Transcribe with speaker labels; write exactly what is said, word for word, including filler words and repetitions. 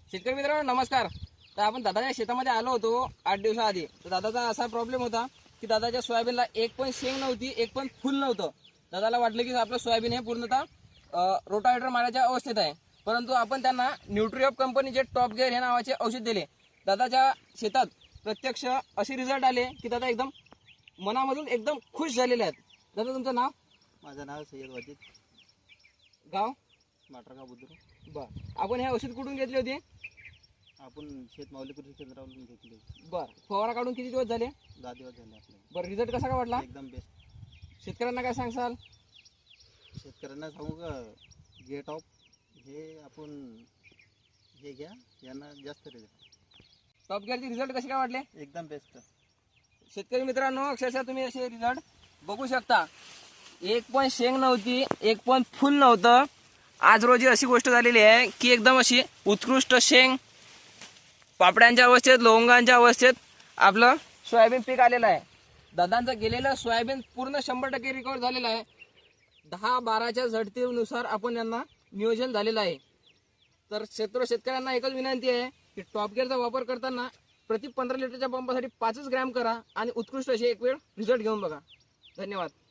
Speaker 1: शेतकरी मित्रांनो नमस्कार. तर आपण दादाच्या शेतामध्ये आलो होतो आठ दिवसाआधी. तर दादाचा असा प्रॉब्लेम होता की दादाच्या सोयाबीनला एक पण शेंग नव्हती, एक पण फुल नव्हतं. दादाला वाटलं की आपलं सोयाबीन हे पूर्णतः रोटावेटर मारायच्या अवस्थेत आहे. परंतु आपण त्यांना न्यूट्रिऑप कंपनीचे टॉप गेअर हे नावाचे औषध दिले. दादाच्या शेतात प्रत्यक्ष असे रिझल्ट आले की दादा एकदम मनामधून एकदम खुश झालेले आहेत. दादा तुमचं नाव?
Speaker 2: माझं नाव सय्यद वाजिद,
Speaker 1: गाव?
Speaker 2: माटरगाव बुद्रुक.
Speaker 1: बर. आपण हे औषध कुठून घेतले होते?
Speaker 2: आपण शेतमावली कृषी केंद्रावरून घेतली.
Speaker 1: बर. फवारा काढून किती दिवस झाले?
Speaker 2: दहा दिवस झाले आपल्याला.
Speaker 1: बरं, रिझल्ट कसा काय वाटला?
Speaker 2: एकदम बेस्ट.
Speaker 1: शेतकऱ्यांना काय सांगसाल?
Speaker 2: शेतकऱ्यांना सांगू का, गेट ऑफ हे आपण हे घ्या, यांना जास्त रिझल्ट.
Speaker 1: टॉप गेअरचे रिझल्ट कसे काय वाटले?
Speaker 2: एकदम बेस्ट.
Speaker 1: शेतकरी मित्रांनो अक्षरशः तुम्ही असे रिझल्ट बघू शकता. एक पण शेंग नव्हती, एक पण फुल नव्हतं. आज रोजी अशी गोष्ट झालेली आहे की एकदम अशी उत्कृष्ट शेंग, पापड्यांच्या अवस्थेत, लवंगांच्या अवस्थेत आपलं सोयाबीन पीक आलेलं आहे. दादांचं गेलेलं सोयाबीन पूर्ण शंभर टक्के रिकवर झालेलं आहे. दहा बाराच्या झडतीनुसार आपण यांना नियोजन झालेलं आहे. तर क्षेत्र शेतकऱ्यांना एकच विनंती आहे की टॉप गेअरचा वापर करताना प्रति पंधरा लिटरच्या पंपासाठी पाचच ग्रॅम करा आणि उत्कृष्ट असे एक वेळ रिझल्ट घेऊन बघा. धन्यवाद.